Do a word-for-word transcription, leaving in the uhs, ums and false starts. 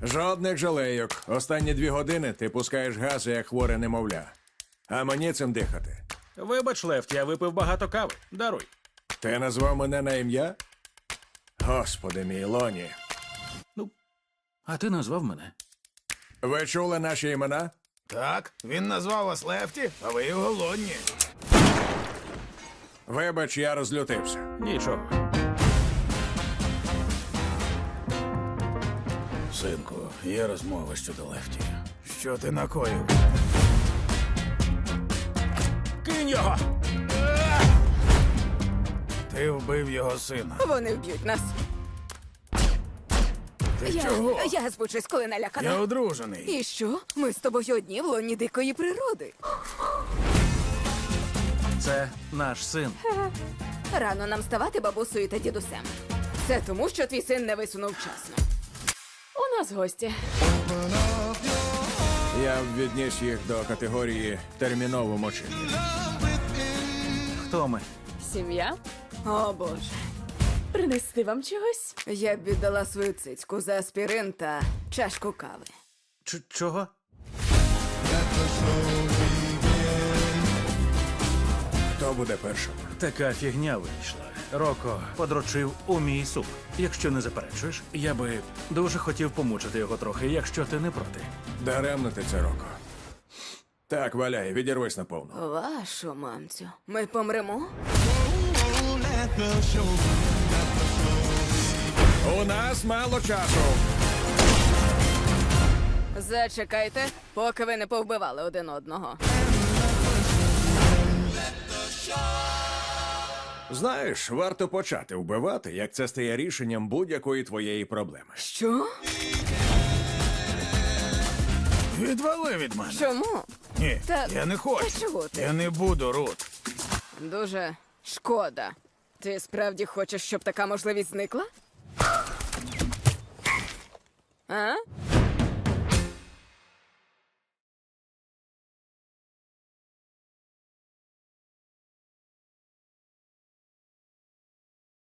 Жодних жалейок. Останні дві години ти пускаєш гази, як хворе немовля. А мені цим дихати. Вибач, Лефт, я випив багато кави. Даруй. Ти назвав мене на ім'я? Господи мій, Лоні. Ну, а ти назвав мене. Ви чули наші імена? Так, він назвав вас Лефті, а ви його Лонні. Вибач, я розлютився. Нічого. Синку, є розмова щодо Лефті. Що ти накоїв? Кинь його! Ти вбив його сина. Вони вб'ють нас. Ти Я, чого? я збучусь, коли налякана. Я одружений. І що? Ми з тобою одні в лоні дикої природи. Це наш син. Рано нам ставати бабусею та дідусем. Це тому, що твій син не висунув вчасно. У нас гості. Я б відніс їх до категорії терміново мочити. Хто ми? Сім'я? О, Боже. Принести вам чогось? Я б віддала свою цицьку за аспірин та чашку кави. Ч- чого? Хто буде першим? Така фігня вийшла. Роко подрочив у мій суп. Якщо не заперечуєш, я би дуже хотів помучити його трохи, якщо ти не проти. Даремно ти це, Роко. Так, валяй, відірвись наповну. Вашу мамцю. Ми помремо? У нас мало часу. Зачекайте, поки ви не повбивали один одного. Знаєш, варто почати вбивати, як це стає рішенням будь-якої твоєї проблеми. Що? Відвали від мене. Чому? Ні, Та- я не хочу. та чого ти? Я не буду, Рут. Дуже шкода. Ти справді хочеш, щоб така можливість зникла? А?